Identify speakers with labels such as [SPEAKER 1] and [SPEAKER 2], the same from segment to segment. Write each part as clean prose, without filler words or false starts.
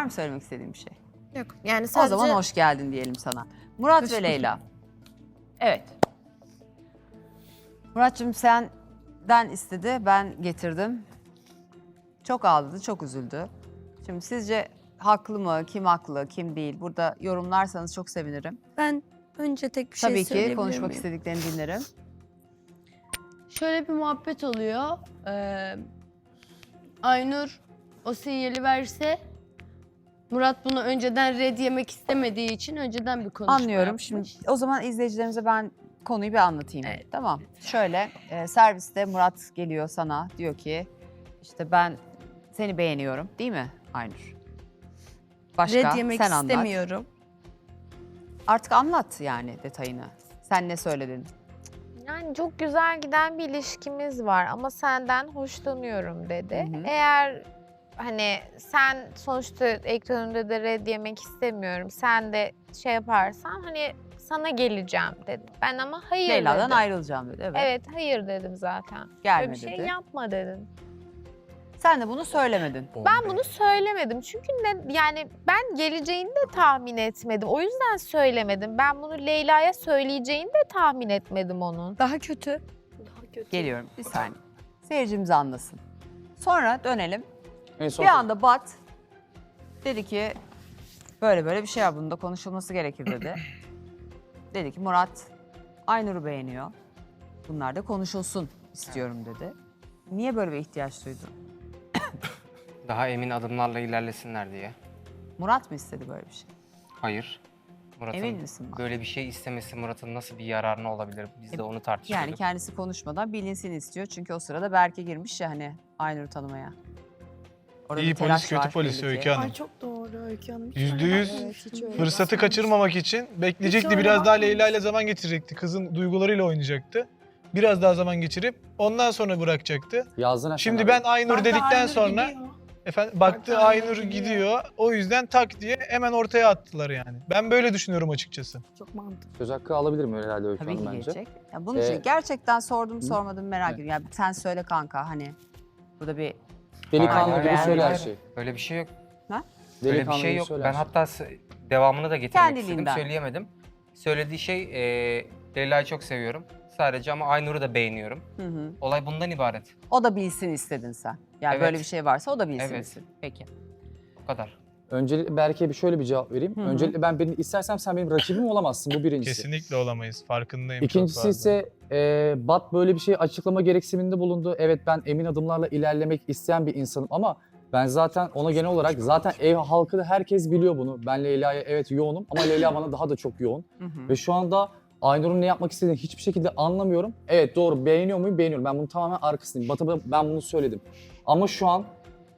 [SPEAKER 1] mı söylemek istediğin bir şey?
[SPEAKER 2] Yok. Yani sadece...
[SPEAKER 1] O zaman hoş geldin diyelim sana. Murat
[SPEAKER 2] Hoş
[SPEAKER 1] ve
[SPEAKER 2] bulduk.
[SPEAKER 1] Leyla. Evet. Murat'cığım senden istedi, ben getirdim. Çok ağladı, çok üzüldü. Şimdi sizce haklı mı, kim haklı, kim değil? Burada yorumlarsanız çok sevinirim.
[SPEAKER 3] Ben önce tek bir şey
[SPEAKER 1] Tabii ki
[SPEAKER 3] söyleyebilir
[SPEAKER 1] konuşmak
[SPEAKER 3] miyim?
[SPEAKER 1] istediklerini dinlerim.
[SPEAKER 3] Şöyle bir muhabbet oluyor. Aynur o sinyali verse Murat bunu önceden red yemek istemediği için önceden bir konuşma
[SPEAKER 1] Anlıyorum.
[SPEAKER 3] yapmış.
[SPEAKER 1] Şimdi o zaman izleyicilerimize ben konuyu bir anlatayım.
[SPEAKER 3] Evet.
[SPEAKER 1] Tamam. Şöyle serviste Murat geliyor sana diyor ki işte ben seni beğeniyorum değil mi Aynur? Başka
[SPEAKER 3] Red yemek
[SPEAKER 1] sen anlat.
[SPEAKER 3] istemiyorum.
[SPEAKER 1] Artık anlat yani detayını. Sen ne söyledin?
[SPEAKER 2] Yani çok güzel giden bir ilişkimiz var ama senden hoşlanıyorum dedi.
[SPEAKER 1] Hı hı.
[SPEAKER 2] Eğer hani sen sonuçta ekran önünde de red yemek istemiyorum. Sen de şey yaparsan hani sana geleceğim dedi. Ben ama hayır
[SPEAKER 1] Leyla'dan
[SPEAKER 2] dedim.
[SPEAKER 1] ayrılacağım dedi. Evet.
[SPEAKER 2] Evet hayır dedim zaten.
[SPEAKER 1] Gelme
[SPEAKER 2] Böyle bir şey
[SPEAKER 1] dedi.
[SPEAKER 2] yapma dedin.
[SPEAKER 1] Sen de bunu söylemedin.
[SPEAKER 2] Ben bunu söylemedim çünkü yani ben geleceğini de tahmin etmedim. O yüzden söylemedim. Ben bunu Leyla'ya söyleyeceğini de tahmin etmedim onun.
[SPEAKER 3] Daha kötü.
[SPEAKER 1] Geliyorum bir saniye. Seyircimiz anlasın. Sonra dönelim.
[SPEAKER 4] En son
[SPEAKER 1] Bir anda Bat dedi ki böyle böyle bir şey var, bunda konuşulması gerekir dedi. Dedi ki Murat Aynur'u beğeniyor. Bunlar da konuşulsun istiyorum dedi. Niye böyle bir ihtiyaç duydun?
[SPEAKER 5] Daha emin adımlarla ilerlesinler diye.
[SPEAKER 1] Murat mı istedi böyle bir şey?
[SPEAKER 5] Hayır. Murat'ın
[SPEAKER 1] Emin misin bak?
[SPEAKER 5] böyle bir şey istemesi Murat'ın nasıl bir yararına olabilir? Biz de onu tartışıyorduk.
[SPEAKER 1] Yani kendisi konuşmadan bilinsin istiyor. Çünkü o sırada Berke girmiş ya hani Aynur'u tanımaya. Orada
[SPEAKER 6] İyi
[SPEAKER 1] bir telaş
[SPEAKER 6] polis, kötü
[SPEAKER 1] var
[SPEAKER 6] polis
[SPEAKER 1] belli ki.
[SPEAKER 6] Öykü Hanım.
[SPEAKER 3] Ay çok doğru Öykü Hanım.
[SPEAKER 6] %100 fırsatı kaçırmamak için bekleyecekti. Biraz daha Leyla ile zaman geçirecekti. Kızın duygularıyla oynayacaktı. Biraz daha zaman geçirip ondan sonra bırakacaktı.
[SPEAKER 4] yazdın efendim.
[SPEAKER 6] Şimdi ben Aynur dedikten sonra baktı Aynur gidiyor. O yüzden tak diye hemen ortaya attılar yani. Ben böyle düşünüyorum açıkçası.
[SPEAKER 3] Çok mantıklı.
[SPEAKER 4] Söz hakkı alabilir mi herhalde Öykü
[SPEAKER 1] Tabii
[SPEAKER 4] Hanım
[SPEAKER 1] ki
[SPEAKER 4] bence?
[SPEAKER 1] gelecek. Ya bunun için gerçekten sordum sormadım merak
[SPEAKER 4] Evet.
[SPEAKER 1] ediyorum. Yani sen söyle kanka hani burada bir
[SPEAKER 4] Delikanlı
[SPEAKER 5] Hayır,
[SPEAKER 4] gibi
[SPEAKER 5] hayır,
[SPEAKER 4] söyle her
[SPEAKER 5] hayır.
[SPEAKER 4] şeyi.
[SPEAKER 5] Öyle bir şey yok.
[SPEAKER 1] Ha?
[SPEAKER 5] Öyle bir
[SPEAKER 4] Delikanlı
[SPEAKER 5] şey
[SPEAKER 4] gibi
[SPEAKER 5] yok.
[SPEAKER 4] söyle
[SPEAKER 5] Ben
[SPEAKER 4] her şeyi.
[SPEAKER 5] hatta devamını da getirmek
[SPEAKER 1] Kendiliğinden.
[SPEAKER 5] istedim. Söyleyemedim. Söylediği şey Leyla'yı çok seviyorum. Sadece ama Aynur'u da beğeniyorum.
[SPEAKER 1] hı hı.
[SPEAKER 5] Olay bundan ibaret.
[SPEAKER 1] O da bilsin istedin sen. Yani
[SPEAKER 5] Evet.
[SPEAKER 1] böyle bir şey varsa o da bilsin
[SPEAKER 5] Evet.
[SPEAKER 1] istedin. Peki.
[SPEAKER 5] Bu kadar.
[SPEAKER 4] Öncelikle Berke'ye şöyle bir cevap vereyim.
[SPEAKER 1] Hı hı.
[SPEAKER 4] Öncelikle ben birini istersem sen benim rakibim olamazsın. Bu birincisi.
[SPEAKER 6] Kesinlikle olamayız. Farkındayım. çok
[SPEAKER 4] İkincisi
[SPEAKER 6] fazla.
[SPEAKER 4] ise Bat böyle bir şey açıklama gereksiniminde bulundu. Evet ben emin adımlarla ilerlemek isteyen bir insanım ama ben zaten ona genel olarak zaten ev halkı da herkes biliyor bunu. Ben Leyla'ya evet yoğunum ama Leyla bana daha da çok yoğun.
[SPEAKER 1] Hı hı.
[SPEAKER 4] Ve şu anda Aynur'un ne yapmak istediğini hiçbir şekilde anlamıyorum. Evet doğru beğeniyor muyum? Beğeniyorum. Ben bunu tamamen arkasındayım. Bat'a ben bunu söyledim. Ama şu an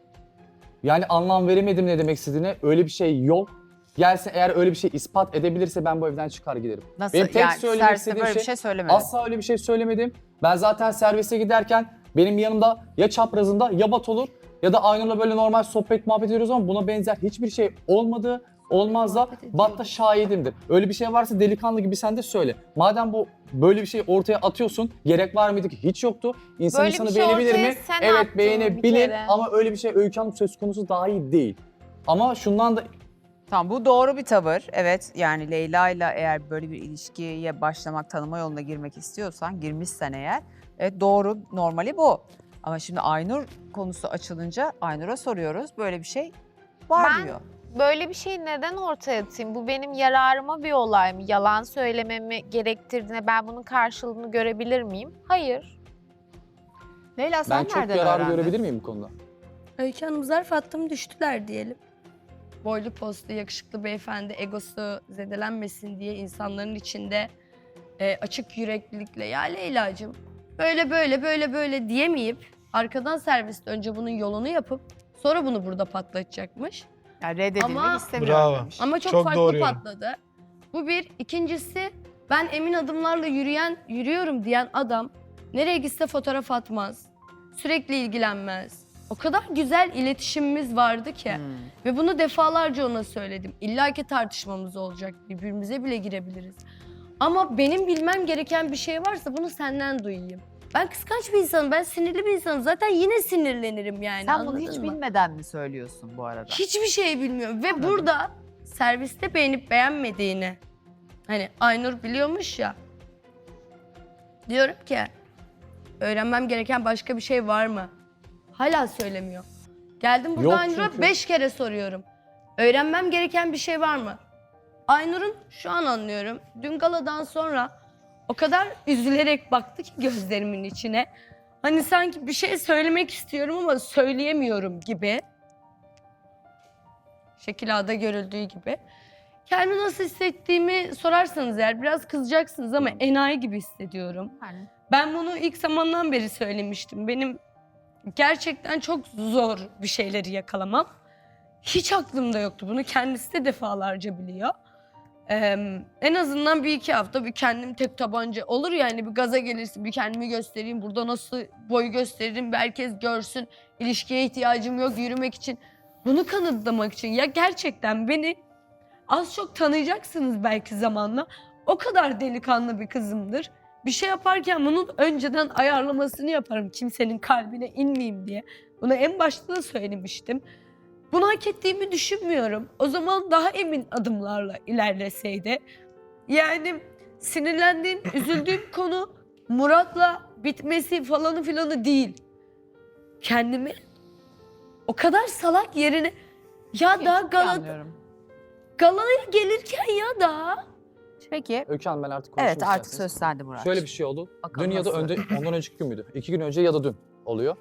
[SPEAKER 4] yani anlam veremedim ne demek istediğine. Öyle bir şey yok. Gelsin eğer öyle bir şey ispat edebilirse ben bu evden çıkar giderim.
[SPEAKER 1] Nasıl
[SPEAKER 4] Benim tek
[SPEAKER 1] yani
[SPEAKER 4] söylemek
[SPEAKER 1] serviste
[SPEAKER 4] istediğim
[SPEAKER 1] böyle bir
[SPEAKER 4] şey-
[SPEAKER 1] şey söylemedin.
[SPEAKER 4] Asla öyle bir şey söylemedim. Ben zaten servise giderken benim yanımda ya çaprazında ya Bat olur ya da Aynur'la böyle normal sohbet muhabbet ediyoruz ama buna benzer hiçbir şey olmadı. Olmaz da
[SPEAKER 3] Muhabbet
[SPEAKER 4] Bat da şahidimdir. Öyle bir şey varsa delikanlı gibi sen de söyle. Madem bu böyle bir şey ortaya atıyorsun, gerek var mıydı ki? Hiç yoktu. İnsan
[SPEAKER 2] Böyle bir
[SPEAKER 4] insanı
[SPEAKER 2] şey
[SPEAKER 4] beğenebilir
[SPEAKER 2] ortaya
[SPEAKER 4] mi?
[SPEAKER 2] sen attın
[SPEAKER 4] Evet
[SPEAKER 2] bir
[SPEAKER 4] beğenebilir
[SPEAKER 2] kere.
[SPEAKER 4] ama öyle bir şey Öykü Hanım söz konusu dahi değil. Ama şundan da
[SPEAKER 1] Tamam bu doğru bir tavır. Evet yani Leyla ile eğer böyle bir ilişkiye başlamak, tanıma yoluna girmek istiyorsan, girmişsen eğer evet doğru, normali bu. Ama şimdi Aynur konusu açılınca Aynur'a soruyoruz. Böyle bir şey var
[SPEAKER 2] Ben-
[SPEAKER 1] diyor.
[SPEAKER 2] Böyle bir şeyi neden ortaya atayım? Bu benim yararıma bir olay mı? Yalan söylememi gerektirdiğine ben bunun karşılığını görebilir miyim? Hayır.
[SPEAKER 1] Leyla sen
[SPEAKER 4] ben çok
[SPEAKER 1] nereden
[SPEAKER 4] yararı
[SPEAKER 1] öğrendin?
[SPEAKER 4] görebilir miyim bu konuda?
[SPEAKER 3] Öykü Hanım zarf attım düştüler diyelim. Boylu postlu yakışıklı beyefendi egosu zedelenmesin diye insanların içinde açık yüreklilikle ya Leyla'cığım böyle diyemeyip arkadan serviste önce bunun yolunu yapıp sonra bunu burada patlatacakmış.
[SPEAKER 1] Yani reddedilmek
[SPEAKER 3] Ama-
[SPEAKER 1] istemiyorum
[SPEAKER 6] Bravo.
[SPEAKER 1] demiş.
[SPEAKER 3] Ama çok
[SPEAKER 6] Çok
[SPEAKER 3] farklı
[SPEAKER 6] doğru yorum.
[SPEAKER 3] patladı. Bu bir. İkincisi ben emin adımlarla yürüyorum diyen adam nereye gitse fotoğraf atmaz. Sürekli ilgilenmez. O kadar güzel iletişimimiz vardı ki.
[SPEAKER 1] Hmm.
[SPEAKER 3] Ve bunu defalarca ona söyledim. İlla ki tartışmamız olacak. Birbirimize bile girebiliriz. Ama benim bilmem gereken bir şey varsa bunu senden duyayım. Ben kıskanç bir insanım, ben sinirli bir insanım. Zaten yine sinirlenirim yani.
[SPEAKER 1] Sen bunu
[SPEAKER 3] anladın
[SPEAKER 1] hiç
[SPEAKER 3] mı?
[SPEAKER 1] bilmeden mi söylüyorsun bu arada?
[SPEAKER 3] Hiçbir şey bilmiyorum. Ve burada serviste beğenip beğenmediğini hani Aynur biliyormuş ya. Diyorum ki öğrenmem gereken başka bir şey var mı? Hala söylemiyor. Geldim burada
[SPEAKER 4] Yok
[SPEAKER 3] Aynur'a
[SPEAKER 4] çünkü.
[SPEAKER 3] 5 kere soruyorum. Öğrenmem gereken bir şey var mı? Aynur'un şu an anlıyorum. Dün galadan sonra o kadar üzülerek baktı ki gözlerimin içine. Hani sanki bir şey söylemek istiyorum ama söyleyemiyorum gibi. Şekil A'da görüldüğü gibi. Kendimi nasıl hissettiğimi sorarsanız eğer biraz kızacaksınız ama enayi gibi hissediyorum.
[SPEAKER 1] Yani
[SPEAKER 3] Ben bunu ilk zamandan beri söylemiştim. Benim gerçekten çok zor bir şeyleri yakalamam. Hiç aklımda yoktu. Bunu kendisi de defalarca biliyor. En azından bir iki hafta bir kendim tek tabanca olur yani bir gaza gelirsin bir kendimi göstereyim. Burada nasıl boyu gösteririm bir herkes görsün. İlişkiye ihtiyacım yok yürümek için. Bunu kanıtlamak için ya gerçekten beni az çok tanıyacaksınız belki zamanla. O kadar delikanlı bir kızımdır. Bir şey yaparken bunun önceden ayarlamasını yaparım kimsenin kalbine inmeyeyim diye. Bunu en başta da söylemiştim. Bunu hak ettiğimi düşünmüyorum. O zaman daha emin adımlarla ilerleseydi. Yani sinirlendiğim, üzüldüğüm konu Murat'la bitmesi falanı filanı değil. Kendimi o kadar salak yerine ya da
[SPEAKER 1] anlıyorum.
[SPEAKER 3] galaya gelirken ya da
[SPEAKER 1] Peki.
[SPEAKER 4] Öykü Hanım ben artık konuşmak
[SPEAKER 1] Evet artık
[SPEAKER 4] isterseniz.
[SPEAKER 1] söz sende Murat.
[SPEAKER 4] Şöyle bir şey oldu.
[SPEAKER 1] Bakalım
[SPEAKER 4] Dün ya da
[SPEAKER 1] nasıl?
[SPEAKER 4] ondan önceki gün müydü? 2 gün önce ya da dün oluyor.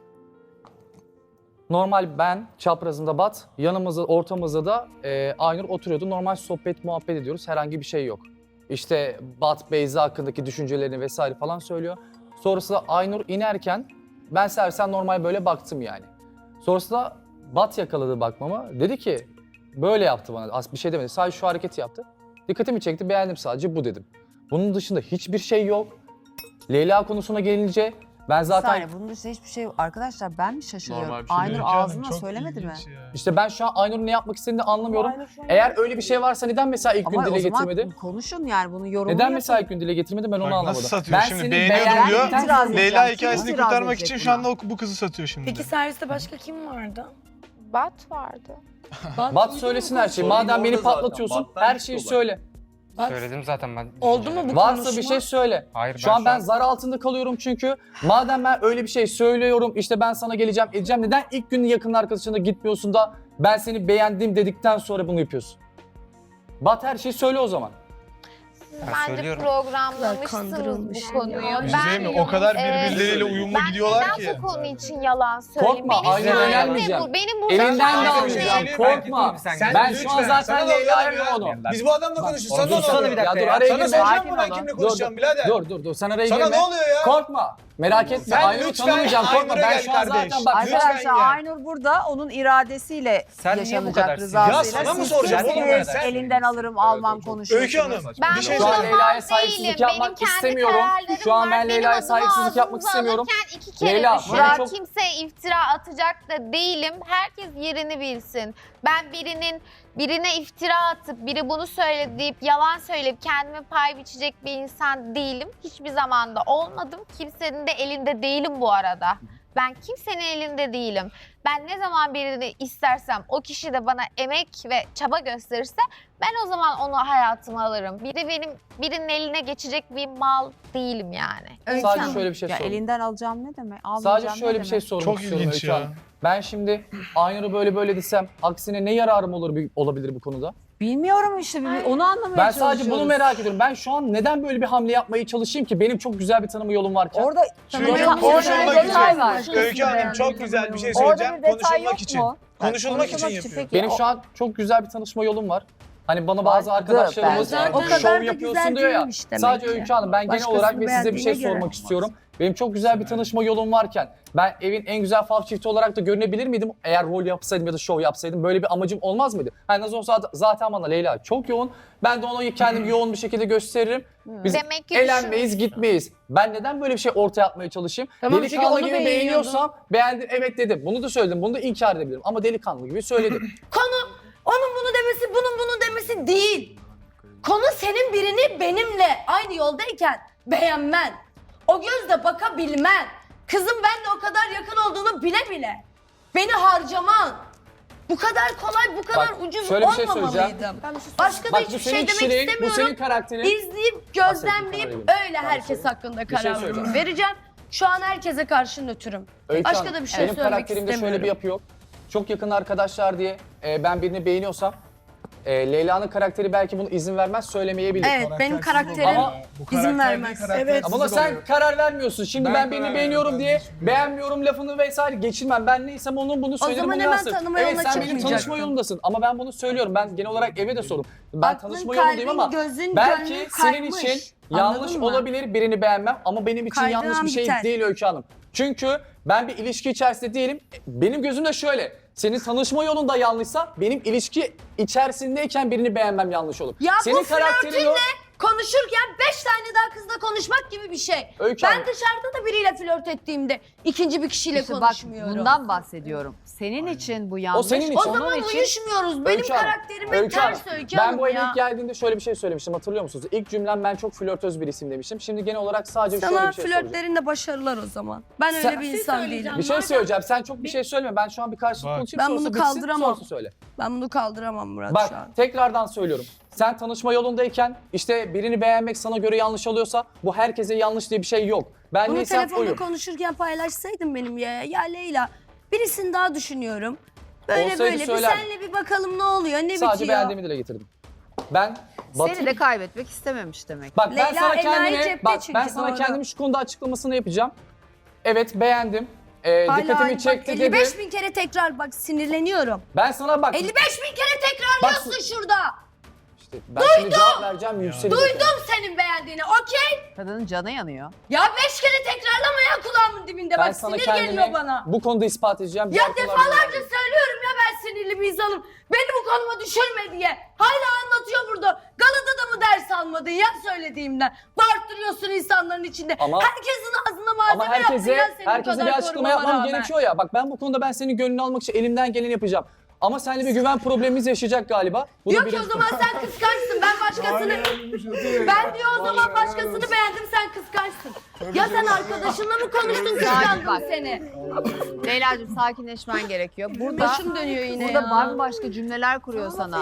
[SPEAKER 4] Normal ben çaprazında Bat, yanımızda, ortamızda da Aynur oturuyordu. Normal sohbet, muhabbet ediyoruz. Herhangi bir şey yok. İşte Bat, Beyza hakkındaki düşüncelerini vesaire falan söylüyor. Sonrasında Aynur inerken ben servisten normal böyle baktım yani. Sonrasında Bat yakaladı bakmamı. Dedi ki böyle yaptı bana. Az bir şey demedi. Sadece şu hareketi yaptı. Dikkatimi çekti. Beğendim sadece bu dedim. Bunun dışında hiçbir şey yok. Leyla konusuna gelince ben zaten
[SPEAKER 1] Saniye, bunun dışında hiçbir şey yok. Arkadaşlar ben mi şaşırıyorum?
[SPEAKER 7] Normal bir şey
[SPEAKER 1] Aynur
[SPEAKER 7] değil.
[SPEAKER 6] Öykü Hanım,
[SPEAKER 1] ağzına
[SPEAKER 6] çok
[SPEAKER 1] söylemedi mi?
[SPEAKER 6] ilginç ya.
[SPEAKER 4] işte ben şu an Aynur'un ne yapmak istediğini anlamıyorum. Eğer öyle bir şey varsa neden mesela ilk gün
[SPEAKER 1] Ama
[SPEAKER 4] dile
[SPEAKER 1] o zaman
[SPEAKER 4] getirmedi?
[SPEAKER 1] konuşun yani bunu yorumunu
[SPEAKER 4] Neden
[SPEAKER 1] yapın.
[SPEAKER 4] mesela ilk gün dile getirmedi ben onu
[SPEAKER 6] Bak
[SPEAKER 4] anlamadım.
[SPEAKER 6] nasıl satıyor
[SPEAKER 4] Ben
[SPEAKER 6] şimdi,
[SPEAKER 4] seni
[SPEAKER 6] beğeniyorum
[SPEAKER 4] beğendim
[SPEAKER 6] diyor.
[SPEAKER 1] itiraz edeceğim.
[SPEAKER 6] Leyla
[SPEAKER 1] Kim
[SPEAKER 6] hikayesini
[SPEAKER 1] itiraz
[SPEAKER 6] kurtarmak
[SPEAKER 1] edecek
[SPEAKER 6] için şu
[SPEAKER 1] buna?
[SPEAKER 6] anda bu kızı satıyor şimdi.
[SPEAKER 3] peki serviste başka kim vardı?
[SPEAKER 2] Bat vardı.
[SPEAKER 4] Bat söylesin her şeyi.
[SPEAKER 7] Sorun
[SPEAKER 4] Madem beni
[SPEAKER 7] orada zaten.
[SPEAKER 4] patlatıyorsun
[SPEAKER 7] Battan
[SPEAKER 4] her
[SPEAKER 7] çıktı
[SPEAKER 4] şeyi
[SPEAKER 7] olay.
[SPEAKER 4] söyle.
[SPEAKER 5] Söyledim zaten ben.
[SPEAKER 3] Oldu mu bu
[SPEAKER 4] Varsa
[SPEAKER 3] konuşma?
[SPEAKER 4] bir şey söyle.
[SPEAKER 5] Hayır,
[SPEAKER 4] Şu an ben zar altında kalıyorum çünkü. Madem ben öyle bir şey söylüyorum işte ben sana geleceğim edeceğim. Neden ilk gün yakın arkadaşına gitmiyorsun da ben seni beğendim dedikten sonra bunu yapıyorsun? Bat her şeyi söyle o zaman.
[SPEAKER 2] Siz
[SPEAKER 5] Ben
[SPEAKER 2] bence
[SPEAKER 5] söylüyorum.
[SPEAKER 2] programlamışsınız
[SPEAKER 3] Kandırılmış
[SPEAKER 2] bu konuyu.
[SPEAKER 3] ya.
[SPEAKER 6] Bir şey diyeyim mi? O kadar birbirleriyle uyumlu
[SPEAKER 2] ben
[SPEAKER 6] gidiyorlar
[SPEAKER 2] neden
[SPEAKER 6] ki.
[SPEAKER 2] bu konu için yalan söyleyeyim?
[SPEAKER 4] Korkma,
[SPEAKER 2] Benim
[SPEAKER 4] Aynur'a
[SPEAKER 2] sahibim
[SPEAKER 4] önermeyeceğim.
[SPEAKER 2] bu. Benim bu
[SPEAKER 4] Elinden de
[SPEAKER 2] sahibim
[SPEAKER 4] almayacağım.
[SPEAKER 2] değil.
[SPEAKER 4] Korkma.
[SPEAKER 5] Sen
[SPEAKER 4] Ben şu an zaten
[SPEAKER 7] Sana da
[SPEAKER 4] Leyla'ya
[SPEAKER 7] oluyor ya.
[SPEAKER 4] onu.
[SPEAKER 7] Biz bu adamla konuşuyoruz. Sana
[SPEAKER 5] Dursana
[SPEAKER 7] ne oluyor?
[SPEAKER 5] bir dakika
[SPEAKER 4] Ya dur
[SPEAKER 5] ya.
[SPEAKER 4] araya
[SPEAKER 7] Sana
[SPEAKER 4] girme.
[SPEAKER 7] soracağım
[SPEAKER 1] Sakin
[SPEAKER 7] mı ben
[SPEAKER 1] olun.
[SPEAKER 7] kimle
[SPEAKER 4] Dur,
[SPEAKER 7] konuşacağım birader?
[SPEAKER 4] Dur sen araya
[SPEAKER 7] Sana
[SPEAKER 4] girme.
[SPEAKER 7] ne oluyor ya?
[SPEAKER 4] Korkma. Merak etme.
[SPEAKER 7] Sen
[SPEAKER 4] Aynur'u
[SPEAKER 7] lütfen
[SPEAKER 4] tanımayacağım. Korkma.
[SPEAKER 7] Aynur'a
[SPEAKER 4] Ben
[SPEAKER 7] gel
[SPEAKER 4] şu an
[SPEAKER 7] kardeş.
[SPEAKER 4] zaten bak.
[SPEAKER 1] Arkadaşlar
[SPEAKER 7] Lütfen ya.
[SPEAKER 1] Aynur burada onun iradesiyle
[SPEAKER 5] Sen niye bu
[SPEAKER 1] yaşanacak
[SPEAKER 5] kadar
[SPEAKER 1] rızasıyla.
[SPEAKER 7] Ya sana mı
[SPEAKER 1] Siz
[SPEAKER 7] soracağım oğlum ben?
[SPEAKER 1] kimsiniz?
[SPEAKER 7] Sen-
[SPEAKER 1] Elinden alırım almam konuşuyorsunuz.
[SPEAKER 7] Öykü Hanım
[SPEAKER 2] Ben
[SPEAKER 7] bir şey
[SPEAKER 4] Şu an
[SPEAKER 2] burada
[SPEAKER 7] söyleyeyim.
[SPEAKER 4] Leyla'ya
[SPEAKER 2] mal
[SPEAKER 4] saygısızlık
[SPEAKER 2] değilim.
[SPEAKER 4] yapmak
[SPEAKER 2] Benim kendi
[SPEAKER 4] istemiyorum.
[SPEAKER 2] kararlarım
[SPEAKER 4] Şu an ben
[SPEAKER 2] var.
[SPEAKER 4] Leyla'ya
[SPEAKER 2] Benim adımı
[SPEAKER 4] saygısızlık yapmak
[SPEAKER 2] ağzınıza
[SPEAKER 4] istemiyorum.
[SPEAKER 2] alırken iki kere
[SPEAKER 4] Leyla,
[SPEAKER 2] düşünün.
[SPEAKER 4] bana çok-
[SPEAKER 2] Kimseye iftira atacak da değilim. Herkes yerini bilsin. Ben birine iftira atıp biri bunu söyledi deyip yalan söyleyip kendime pay biçecek bir insan değilim. Hiçbir zaman da olmadım. Kimsenin de elinde değilim bu arada. Ben kimsenin elinde değilim. Ben ne zaman birini istersem o kişi de bana emek ve çaba gösterirse ben o zaman onu hayatıma alırım. Birinin eline geçecek bir mal değilim yani.
[SPEAKER 4] Sadece şöyle bir şey
[SPEAKER 1] Ya
[SPEAKER 4] sorayım.
[SPEAKER 1] elinden alacağım ne demek? Almayacağım
[SPEAKER 4] Sadece şöyle
[SPEAKER 1] ne
[SPEAKER 4] bir şey
[SPEAKER 1] demek?
[SPEAKER 4] sormak
[SPEAKER 6] Çok
[SPEAKER 4] istiyorum
[SPEAKER 6] ilginç
[SPEAKER 4] Öykü
[SPEAKER 6] ya.
[SPEAKER 4] Hanım. Ben şimdi Aynur'u böyle desem aksine ne yararım olabilir bu konuda?
[SPEAKER 1] Bilmiyorum işte onu anlamaya
[SPEAKER 4] Ben
[SPEAKER 1] çalışıyoruz.
[SPEAKER 4] sadece bunu merak ediyorum. Ben şu an neden böyle bir hamle yapmaya çalışayım ki? Benim çok güzel bir tanıma yolum varken.
[SPEAKER 1] Orada
[SPEAKER 6] Çünkü
[SPEAKER 1] orada
[SPEAKER 6] konuşulmak
[SPEAKER 1] bir detay
[SPEAKER 6] için.
[SPEAKER 1] var.
[SPEAKER 6] Öykü Hanım çok güzel bir şey
[SPEAKER 1] Orada
[SPEAKER 6] söyleyeceğim.
[SPEAKER 1] bir detay
[SPEAKER 6] Konuşulmak
[SPEAKER 1] yok
[SPEAKER 6] için.
[SPEAKER 1] mu?
[SPEAKER 6] Konuşulmak için yapıyor.
[SPEAKER 1] peki,
[SPEAKER 4] Benim şu an çok güzel bir tanışma yolum var. Hani bana bazı
[SPEAKER 1] Vardı
[SPEAKER 4] arkadaşlarımız
[SPEAKER 1] bence.
[SPEAKER 3] O kadar
[SPEAKER 4] şov
[SPEAKER 3] da
[SPEAKER 4] yapıyorsun
[SPEAKER 3] güzel
[SPEAKER 4] diyor ya.
[SPEAKER 3] değilmiş demek
[SPEAKER 4] Sadece
[SPEAKER 3] ki.
[SPEAKER 4] Öykü Hanım ben genel
[SPEAKER 3] Başkasını
[SPEAKER 4] olarak ve size bir şey
[SPEAKER 3] beğendiğine
[SPEAKER 4] sormak
[SPEAKER 3] göre.
[SPEAKER 4] istiyorum. Benim çok güzel bir tanışma yolum varken ben evin en güzel fav çifti olarak da görünebilir miydim? Eğer rol yapsaydım ya da şov yapsaydım böyle bir amacım olmaz mıydı? Hani nasıl olsa zaten bana Leyla çok yoğun. Ben de ona kendimi yoğun bir şekilde gösteririm. Biz
[SPEAKER 2] Demek ki
[SPEAKER 4] eğlenmeyiz, gitmeyiz. Ben neden böyle bir şey ortaya atmaya çalışayım?
[SPEAKER 3] Tamam, çünkü
[SPEAKER 4] Delikanlı
[SPEAKER 3] onu
[SPEAKER 4] gibi
[SPEAKER 3] beğeniyordun.
[SPEAKER 4] beğeniyorsam beğendim evet dedim. Bunu da söyledim. Bunu da inkar edebilirim. Ama delikanlı gibi söyledim.
[SPEAKER 3] Konu onun bunu demesi, bunun bunu demesi değil. Konu senin birini benimle aynı yoldayken beğenmen. O gözle bakabilmen. Kızım ben de o kadar yakın olduğunu bile bile. Beni harcaman. Bu kadar kolay, bu kadar
[SPEAKER 4] Bak,
[SPEAKER 3] ucuz
[SPEAKER 4] şöyle bir şey
[SPEAKER 3] olmamalıydım. Başka da
[SPEAKER 4] Bak bu
[SPEAKER 3] hiçbir
[SPEAKER 4] senin
[SPEAKER 3] şey demek
[SPEAKER 4] kişiliğin, bu
[SPEAKER 3] istemiyorum.
[SPEAKER 4] senin karakterin.
[SPEAKER 3] İzleyip, gözlemleyip öyle herkes hakkında
[SPEAKER 4] şey
[SPEAKER 3] karar
[SPEAKER 4] söyleyeceğim.
[SPEAKER 3] vereceğim. Şu an herkese karşı nötrüm.
[SPEAKER 4] Öykü
[SPEAKER 3] Başka
[SPEAKER 4] Hanım,
[SPEAKER 3] da bir şey
[SPEAKER 4] benim
[SPEAKER 3] söylemek
[SPEAKER 4] karakterimde şöyle
[SPEAKER 3] istemiyorum.
[SPEAKER 4] bir yapı yok. Çok yakın arkadaşlar diye ben birini beğeniyorsam Leyla'nın karakteri belki bunu izin vermez, söylemeyebilir.
[SPEAKER 3] Evet, benim karakterim
[SPEAKER 4] Ama
[SPEAKER 3] izin vermez.
[SPEAKER 7] Evet.
[SPEAKER 4] Ama sen karar vermiyorsun. Şimdi ben birini beğeniyorum diye beğenmiyorum lafını vesaire geçirmem. Ben neysem onun bunu söylerim.
[SPEAKER 3] zaman
[SPEAKER 4] bunu
[SPEAKER 3] hemen
[SPEAKER 4] yansır.
[SPEAKER 3] tanıma
[SPEAKER 4] Evet
[SPEAKER 3] yoluna
[SPEAKER 4] sen benim tanışma
[SPEAKER 3] çıkmayacaktın.
[SPEAKER 4] yolundasın ama ben bunu söylüyorum. Ben genel olarak eve de sorum. Ben
[SPEAKER 3] Aklın,
[SPEAKER 4] tanışma yolundayım ama
[SPEAKER 3] kalbin, gözün,
[SPEAKER 4] belki
[SPEAKER 3] gönlün
[SPEAKER 4] senin
[SPEAKER 3] kaymış.
[SPEAKER 4] için yanlış
[SPEAKER 3] Anladın mı?
[SPEAKER 4] olabilir birini beğenmem ama benim için
[SPEAKER 3] Kaydıran
[SPEAKER 4] yanlış bir şey
[SPEAKER 3] biter.
[SPEAKER 4] değil Öykü Hanım. Çünkü ben bir ilişki içerisinde değilim. Benim gözümde şöyle. Senin tanışma yolunda yanlışsa benim ilişki içerisindeyken birini beğenmem yanlış olur.
[SPEAKER 3] Ya
[SPEAKER 4] Senin
[SPEAKER 3] bu flörtünle
[SPEAKER 4] yok.
[SPEAKER 3] konuşurken 5 tane daha kızla konuşmak gibi bir şey.
[SPEAKER 4] Öykü
[SPEAKER 3] Ben
[SPEAKER 4] Hanım.
[SPEAKER 3] dışarıda da biriyle flört ettiğimde ikinci bir kişiyle
[SPEAKER 1] İşte bak
[SPEAKER 3] konuşmuyorum.
[SPEAKER 1] bundan bahsediyorum. Senin için bu yanlış.
[SPEAKER 4] senin için.
[SPEAKER 3] O
[SPEAKER 4] Onun
[SPEAKER 3] zaman uyuşmuyoruz. Benim
[SPEAKER 4] Öykü Hanım,
[SPEAKER 3] karakterime
[SPEAKER 4] Öykü
[SPEAKER 3] ters
[SPEAKER 4] Hanım,
[SPEAKER 3] Öykü
[SPEAKER 4] ben
[SPEAKER 3] Hanım
[SPEAKER 4] bu eve
[SPEAKER 3] ya.
[SPEAKER 4] ilk geldiğimde şöyle bir şey söylemiştim, hatırlıyor musunuz? İlk cümlem ben çok flörtöz birisiyim demiştim. Şimdi genel olarak sadece şöyle
[SPEAKER 3] Sana
[SPEAKER 4] bir şey soracağım.
[SPEAKER 3] flörtlerinde başarılar o zaman. Ben
[SPEAKER 4] Sen-
[SPEAKER 3] öyle bir insan değilim.
[SPEAKER 4] Bir şey söyleyeceğim. Sen çok bir şey söyleme. Ben şu an bir karşılık
[SPEAKER 6] Bak.
[SPEAKER 4] konuşayım.
[SPEAKER 3] Ben
[SPEAKER 4] sonrası
[SPEAKER 3] bunu
[SPEAKER 4] bitsin,
[SPEAKER 3] kaldıramam.
[SPEAKER 4] sonrası söyle.
[SPEAKER 3] Ben bunu kaldıramam Murat şu an.
[SPEAKER 4] Bak tekrardan söylüyorum. Sen tanışma yolundayken işte birini beğenmek sana göre yanlış oluyorsa bu herkese yanlış diye bir şey yok. Ben
[SPEAKER 3] Bunu
[SPEAKER 4] neysem
[SPEAKER 3] telefonda
[SPEAKER 4] oyum.
[SPEAKER 3] konuşurken paylaşsaydın benim ya Leyla. Birisini daha düşünüyorum. Böyle
[SPEAKER 4] Olsaydı
[SPEAKER 3] böyle bir
[SPEAKER 4] söylerdim.
[SPEAKER 3] senle bir bakalım ne oluyor, ne
[SPEAKER 4] Sadece
[SPEAKER 3] bitiyor.
[SPEAKER 4] beğendiğimi dile getirdim. Ben
[SPEAKER 1] Seni de kaybetmek istememiş demek.
[SPEAKER 4] Bak ben
[SPEAKER 3] Leyla
[SPEAKER 4] sana
[SPEAKER 3] enayi
[SPEAKER 4] kendimi
[SPEAKER 3] cepte
[SPEAKER 4] bak
[SPEAKER 3] çünkü,
[SPEAKER 4] ben sana
[SPEAKER 3] doğru.
[SPEAKER 4] kendimi şu konuda açıklamasını yapacağım. Evet beğendim.
[SPEAKER 3] Hala
[SPEAKER 4] Dikkatimi
[SPEAKER 3] bak,
[SPEAKER 4] çekti
[SPEAKER 3] 55
[SPEAKER 4] dedi.
[SPEAKER 3] bin kere tekrar bak sinirleniyorum.
[SPEAKER 4] Ben sana bak
[SPEAKER 3] 55 bin kere tekrarlıyorsun şurada.
[SPEAKER 4] işte ben şimdi cevap vereceğim yükselecek.
[SPEAKER 3] Duydum senin beğendiğini, okey.
[SPEAKER 1] Kadının canı yanıyor.
[SPEAKER 3] Ya 5 kere tekrarlama ya kulağımın dibinde.
[SPEAKER 4] Ben
[SPEAKER 3] Bak
[SPEAKER 4] sana
[SPEAKER 3] sinir
[SPEAKER 4] kendimi
[SPEAKER 3] geliyor bana.
[SPEAKER 4] bu konuda ispat edeceğim.
[SPEAKER 3] Ya
[SPEAKER 4] Diğer konularda
[SPEAKER 3] defalarca
[SPEAKER 4] değil.
[SPEAKER 3] söylüyorum ya ben sinirli bir insanım. Beni bu konuma düşürme diye. Hala anlatıyor burada. Galata'da mı ders almadın ya söylediğimden? Bağırttırıyorsun insanların içinde.
[SPEAKER 4] Ama-
[SPEAKER 3] Herkesin ağzına malzeme
[SPEAKER 4] Ama
[SPEAKER 3] yaptın
[SPEAKER 4] herkese,
[SPEAKER 3] ya senin bu
[SPEAKER 4] herkese
[SPEAKER 3] kadar
[SPEAKER 4] bir açıklama
[SPEAKER 3] korumama
[SPEAKER 4] yapmam
[SPEAKER 3] rağmen.
[SPEAKER 4] gerekiyor ya. Bak ben bu konuda ben senin gönlünü almak için elimden geleni yapacağım. Ama seninle bir güven problemimiz yaşayacak galiba. Bu da
[SPEAKER 3] Diyor ki o
[SPEAKER 4] birinci
[SPEAKER 3] zaman
[SPEAKER 4] konu.
[SPEAKER 3] sen kıskançsın. Ben başkasını... Ben diyor o zaman başkasını beğendim sen kıskançsın. Ya sen arkadaşınla mı konuştun
[SPEAKER 1] bak.
[SPEAKER 3] kıskandın seni?
[SPEAKER 1] Leyla'cığım sakinleşmen gerekiyor. Burada
[SPEAKER 3] Başım dönüyor yine
[SPEAKER 1] burada
[SPEAKER 3] ya.
[SPEAKER 1] bambaşka cümleler kuruyor sana.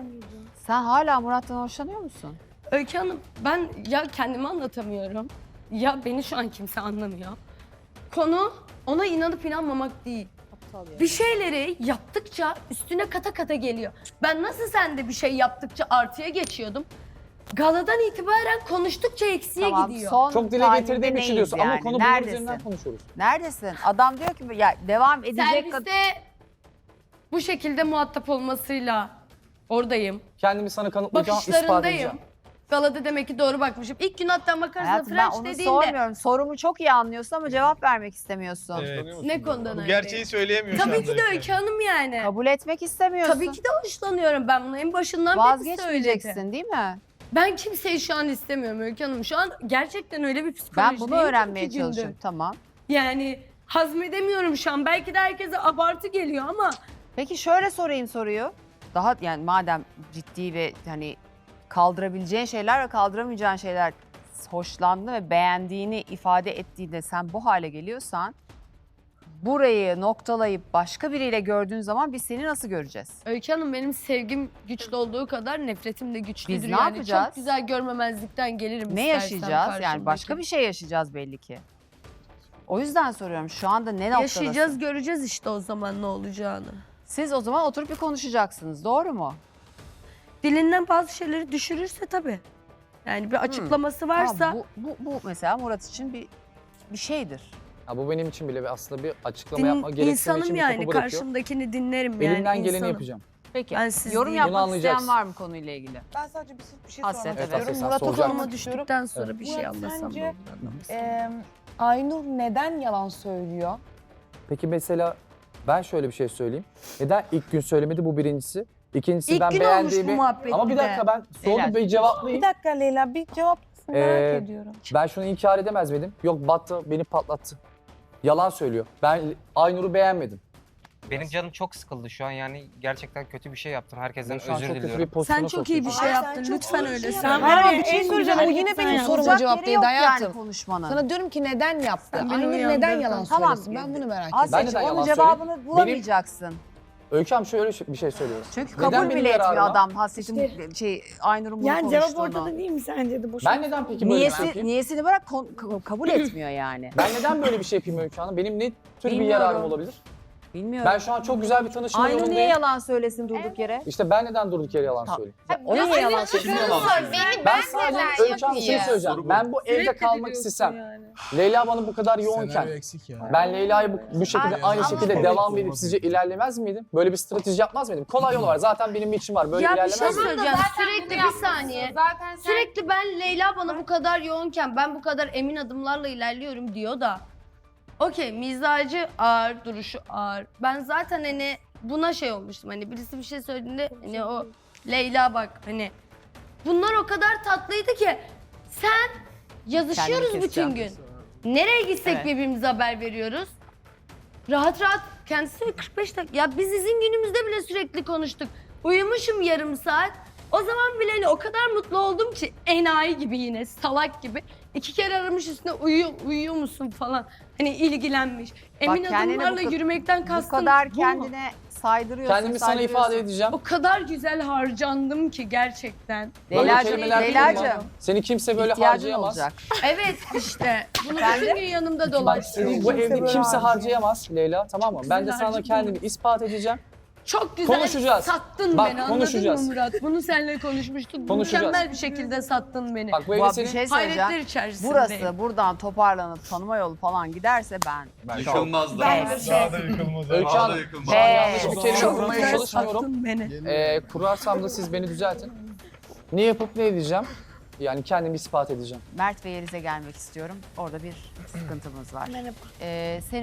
[SPEAKER 1] Sen hala Murat'tan hoşlanıyor musun?
[SPEAKER 3] Öykü Hanım ben ya kendimi anlatamıyorum ya beni şu an kimse anlamıyor. Konu ona inanıp inanmamak değil. Bir şeyleri yaptıkça üstüne kata kata geliyor. Ben nasıl sende bir şey yaptıkça artıya geçiyordum. Galadan itibaren konuştukça eksiye
[SPEAKER 1] Tamam,
[SPEAKER 3] gidiyor.
[SPEAKER 1] son
[SPEAKER 4] Çok dile
[SPEAKER 1] tahlilde
[SPEAKER 4] getirdiğim için
[SPEAKER 1] neyiz
[SPEAKER 4] diyorsun ama
[SPEAKER 1] yani?
[SPEAKER 4] konu bunun
[SPEAKER 1] Neredesin?
[SPEAKER 4] üzerinden konuşuyoruz.
[SPEAKER 1] Neredesin? Adam diyor ki ya devam edecek
[SPEAKER 3] Serviste bu şekilde muhatap olmasıyla oradayım.
[SPEAKER 4] Kendimi sana kanıtlayacağım, ispat edeceğim.
[SPEAKER 3] Bakışlarındayım. Galada demek ki doğru bakmışım. İlk gün hatta makarasına
[SPEAKER 1] Hayatım ben
[SPEAKER 3] French
[SPEAKER 1] onu
[SPEAKER 3] dediğinde
[SPEAKER 1] sormuyorum. Sorumu çok iyi anlıyorsun ama cevap vermek istemiyorsun.
[SPEAKER 6] Evet.
[SPEAKER 3] ne konudan
[SPEAKER 6] Bu
[SPEAKER 3] öyle?
[SPEAKER 6] gerçeği söyleyemiyor şu
[SPEAKER 3] Tabii
[SPEAKER 6] anda
[SPEAKER 3] ki de
[SPEAKER 6] Öykü
[SPEAKER 3] Öykü Hanım yani.
[SPEAKER 1] Kabul etmek istemiyorsun.
[SPEAKER 3] Tabii ki de hoşlanıyorum ben bunu en başından beri söyledim.
[SPEAKER 1] Vazgeçmeyeceksin değil mi?
[SPEAKER 3] Ben kimseyi şu an istemiyorum Öykü Hanım. Şu an gerçekten öyle bir
[SPEAKER 1] Ben
[SPEAKER 3] psikolojideyim
[SPEAKER 1] bunu öğrenmeye
[SPEAKER 3] ki gündür.
[SPEAKER 1] çalışıyorum. Tamam.
[SPEAKER 3] Yani hazmedemiyorum şu an. Belki de herkese abartı geliyor ama
[SPEAKER 1] Peki şöyle sorayım soruyu. Daha yani madem ciddi ve hani kaldırabileceğin şeyler ve kaldıramayacağın şeyler hoşlandı ve beğendiğini ifade ettiğinde sen bu hale geliyorsan burayı noktalayıp başka biriyle gördüğün zaman biz seni nasıl göreceğiz?
[SPEAKER 3] Öykü Hanım benim sevgim güçlü olduğu kadar nefretim de güçlüdür.
[SPEAKER 1] Biz ne
[SPEAKER 3] yani
[SPEAKER 1] yapacağız?
[SPEAKER 3] Çok güzel görmemezlikten gelirim
[SPEAKER 1] Ne
[SPEAKER 3] istersem
[SPEAKER 1] yaşayacağız? Yani başka
[SPEAKER 3] karşımdaki.
[SPEAKER 1] bir şey yaşayacağız belli ki. O yüzden soruyorum şu anda ne noktadasın?
[SPEAKER 3] Yaşayacağız göreceğiz işte o zaman ne olacağını.
[SPEAKER 1] Siz o zaman oturup bir konuşacaksınız doğru mu?
[SPEAKER 3] Dilinden bazı şeyleri düşürürse tabii. Yani bir açıklaması varsa
[SPEAKER 1] Ama bu mesela Murat için bir şeydir.
[SPEAKER 4] Ya bu benim için bile aslında bir açıklama yapma gereksinimi
[SPEAKER 3] insanım
[SPEAKER 4] için bir
[SPEAKER 3] yani
[SPEAKER 4] kapı bırakıyor.
[SPEAKER 3] karşımdakini dinlerim yani
[SPEAKER 4] Elimden geleni
[SPEAKER 3] insanım.
[SPEAKER 4] yapacağım.
[SPEAKER 1] Peki
[SPEAKER 3] Ben siz
[SPEAKER 1] yorum
[SPEAKER 3] değilim.
[SPEAKER 1] yapmak
[SPEAKER 4] Bunu anlayacaksın.
[SPEAKER 1] isteyen var mı konuyla ilgili?
[SPEAKER 7] Ben sadece bir şey
[SPEAKER 1] Hasret,
[SPEAKER 7] sormak
[SPEAKER 1] evet.
[SPEAKER 7] istiyorum.
[SPEAKER 4] Hasret, sen
[SPEAKER 7] Murat'a
[SPEAKER 4] soracak
[SPEAKER 7] sormak
[SPEAKER 3] Konuma
[SPEAKER 7] istiyorum.
[SPEAKER 3] düştükten sonra
[SPEAKER 4] Evet.
[SPEAKER 3] bir şey
[SPEAKER 7] Murat,
[SPEAKER 3] anlasam
[SPEAKER 7] sence,
[SPEAKER 3] ne olur anlamasam.
[SPEAKER 7] Aynur neden yalan söylüyor?
[SPEAKER 4] Peki mesela ben şöyle bir şey söyleyeyim. Neden ilk gün söylemedi bu birincisi? İkincisi
[SPEAKER 3] İlk
[SPEAKER 4] ben
[SPEAKER 3] gün olmuş bu
[SPEAKER 4] beğendiğimi...
[SPEAKER 3] muhabbet
[SPEAKER 4] Ama bir
[SPEAKER 3] bir de.
[SPEAKER 4] dakika ben
[SPEAKER 1] Beyler.
[SPEAKER 4] sordum bir cevaplayayım.
[SPEAKER 7] Bir dakika Leyla bir cevap merak
[SPEAKER 4] Ee,
[SPEAKER 7] ediyorum.
[SPEAKER 4] Ben şunu inkar edemez miydim? Yok battı beni patlattı. Yalan söylüyor. Ben Aynur'u beğenmedim.
[SPEAKER 5] Benim canım çok sıkıldı şu an, yani gerçekten kötü bir şey yaptım. Herkesten
[SPEAKER 4] Ben şu an
[SPEAKER 5] özür
[SPEAKER 4] çok kötü bir
[SPEAKER 5] diliyorum.
[SPEAKER 4] pozisyona
[SPEAKER 3] Sen çok iyi bir
[SPEAKER 4] sokuyorsun.
[SPEAKER 3] şey
[SPEAKER 1] Ay, sen
[SPEAKER 3] yaptın.
[SPEAKER 1] çok
[SPEAKER 3] Lütfen
[SPEAKER 1] iyi bir
[SPEAKER 3] öyle.
[SPEAKER 1] şey
[SPEAKER 3] Sen
[SPEAKER 1] yaptın.
[SPEAKER 3] var
[SPEAKER 7] Ama
[SPEAKER 3] ya
[SPEAKER 7] bir şey
[SPEAKER 3] en
[SPEAKER 7] söyleyeceğim.
[SPEAKER 3] güzel
[SPEAKER 7] O yine benim
[SPEAKER 3] sen
[SPEAKER 7] soruma
[SPEAKER 1] Soracak
[SPEAKER 7] cevap
[SPEAKER 1] yeri
[SPEAKER 7] değil
[SPEAKER 1] yok
[SPEAKER 7] hayatım.
[SPEAKER 1] yani konuşmanın.
[SPEAKER 7] Sana diyorum ki neden yaptı?
[SPEAKER 3] Sen beni
[SPEAKER 7] Aynur neden
[SPEAKER 3] uyandırdın.
[SPEAKER 7] yalan
[SPEAKER 1] Tamam.
[SPEAKER 7] söylesin? Ben bunu merak
[SPEAKER 4] Ben
[SPEAKER 7] ediyorum.
[SPEAKER 1] Asya'cığım
[SPEAKER 4] neden
[SPEAKER 1] onun
[SPEAKER 4] yalan
[SPEAKER 1] cevabını bulamayacaksın.
[SPEAKER 4] Öykü Hanım şöyle bir şey söylüyor.
[SPEAKER 1] Çünkü
[SPEAKER 4] Neden
[SPEAKER 1] kabul
[SPEAKER 4] benim
[SPEAKER 1] bile etmiyor
[SPEAKER 4] yararıma?
[SPEAKER 1] adam Hasret'in Aynur'un bunu
[SPEAKER 8] Yani
[SPEAKER 1] konuştuğunu.
[SPEAKER 8] cevap ortada değil mi sence de boş?
[SPEAKER 4] Ben neden peki böyle bir şey yapayım?
[SPEAKER 1] Niyesini bırak kabul etmiyor yani.
[SPEAKER 4] Ben neden böyle bir şey yapayım Öykü Hanım? Benim ne tür bir
[SPEAKER 1] Bilmiyorum.
[SPEAKER 4] yararım olabilir?
[SPEAKER 1] Bilmiyorum.
[SPEAKER 4] Ben şu an çok güzel bir tanışma
[SPEAKER 1] Aynur niye
[SPEAKER 4] yolundayım.
[SPEAKER 1] yalan söylesin durduk yere?
[SPEAKER 4] İşte ben neden durduk yere yalan
[SPEAKER 1] Ha.
[SPEAKER 4] söyleyeyim?
[SPEAKER 1] O niye yalan söylüyor?
[SPEAKER 2] Beni
[SPEAKER 4] Ben sadece Öykü Hanım şunu söyleyeceğim. Ben bu evde kalmak istesem, Leyla bana bu kadar yoğunken,
[SPEAKER 6] eksik ya.
[SPEAKER 4] ben Leyla'yı bu şekilde
[SPEAKER 2] Ay,
[SPEAKER 4] aynı
[SPEAKER 2] ama
[SPEAKER 4] şekilde
[SPEAKER 2] evet.
[SPEAKER 4] devam edip sizce ilerlemez miydim? Böyle bir strateji yapmaz mıydım? Kolay yolu var. Zaten benim için var. Böyle
[SPEAKER 3] Ya bir
[SPEAKER 4] ilerlemez
[SPEAKER 3] şey
[SPEAKER 4] miydim?
[SPEAKER 3] söyleyeceğim.
[SPEAKER 2] Zaten
[SPEAKER 3] Sürekli
[SPEAKER 2] bunu
[SPEAKER 3] bir
[SPEAKER 2] yapmışsın.
[SPEAKER 3] saniye.
[SPEAKER 2] Zaten sen
[SPEAKER 3] Sürekli ben Leyla bana bu kadar yoğunken ben bu kadar emin adımlarla ilerliyorum diyor da. Okey, mizacı ağır, duruşu ağır. Ben zaten hani buna şey olmuştum, hani birisi bir şey söylediğinde hani o Leyla bak hani bunlar o kadar tatlıydı ki sen yazışıyoruz
[SPEAKER 1] Kendini
[SPEAKER 3] bütün
[SPEAKER 1] keseceğim.
[SPEAKER 3] gün. Nereye gitsek
[SPEAKER 1] Evet.
[SPEAKER 3] birbirimize haber veriyoruz. Rahat rahat kendisi de 45 dakika. Ya biz izin günümüzde bile sürekli konuştuk. Uyumuşum yarım saat. O zaman bile hani o kadar mutlu oldum ki enayi gibi yine salak gibi. 2 kere aramış üstüne uyuyor musun falan. Hani ilgilenmiş. Emin
[SPEAKER 1] kendine
[SPEAKER 3] adımlarla yürümekten
[SPEAKER 1] Bu
[SPEAKER 3] kastım
[SPEAKER 1] kadar
[SPEAKER 3] bu mu?
[SPEAKER 1] kendine saydırıyorsun.
[SPEAKER 4] Kendimi sana ifade edeceğim.
[SPEAKER 3] O kadar güzel harcandım ki gerçekten.
[SPEAKER 4] Böyle
[SPEAKER 1] Leyla'cığım,
[SPEAKER 4] kelimeler
[SPEAKER 1] Leyla'cığım.
[SPEAKER 4] kullanma. Seni kimse böyle
[SPEAKER 1] İhtiyacın
[SPEAKER 4] harcayamaz.
[SPEAKER 1] olacak.
[SPEAKER 3] Evet işte. Bunu
[SPEAKER 1] Efendim?
[SPEAKER 3] bütün gün yanımda
[SPEAKER 4] Bak
[SPEAKER 3] dolaştırıyor.
[SPEAKER 4] seni bu evde
[SPEAKER 8] böyle
[SPEAKER 4] kimse
[SPEAKER 8] harcayamaz.
[SPEAKER 4] harcayamaz Leyla, tamam mı? Ben de sana
[SPEAKER 3] harcayamaz.
[SPEAKER 4] kendimi ispat edeceğim.
[SPEAKER 3] Çok güzel
[SPEAKER 4] Konuşacağız.
[SPEAKER 3] sattın
[SPEAKER 4] Bak,
[SPEAKER 3] beni, anladın
[SPEAKER 4] konuşacağız.
[SPEAKER 3] mı Murat? Bunu seninle konuşmuştuk.
[SPEAKER 4] Konuşacağız.
[SPEAKER 3] Mükemmel bir şekilde sattın beni.
[SPEAKER 4] Bak bu evde
[SPEAKER 1] Bu bir
[SPEAKER 4] senin...
[SPEAKER 1] şey söyleyeceğim.
[SPEAKER 3] Hayretler içerisindeyim.
[SPEAKER 1] Burası buradan toparlanıp tanıma yolu falan giderse ben
[SPEAKER 9] Yıkılmaz da.
[SPEAKER 6] Daha da yıkılmaz.
[SPEAKER 4] Öykü
[SPEAKER 9] Daha
[SPEAKER 4] Hanım,
[SPEAKER 9] da yıkılmaz.
[SPEAKER 4] şu an yanlış bir kelime
[SPEAKER 3] Çok
[SPEAKER 4] kurmaya
[SPEAKER 3] güzel
[SPEAKER 4] çalışmıyorum.
[SPEAKER 3] sattın beni.
[SPEAKER 4] Kurarsam da siz beni düzeltin. Ne yapıp ne edeceğim? Yani kendimi ispat edeceğim.
[SPEAKER 1] Mert ve Yeliz'e gelmek istiyorum. Orada bir sıkıntımız var.
[SPEAKER 8] Merhaba.
[SPEAKER 1] Senin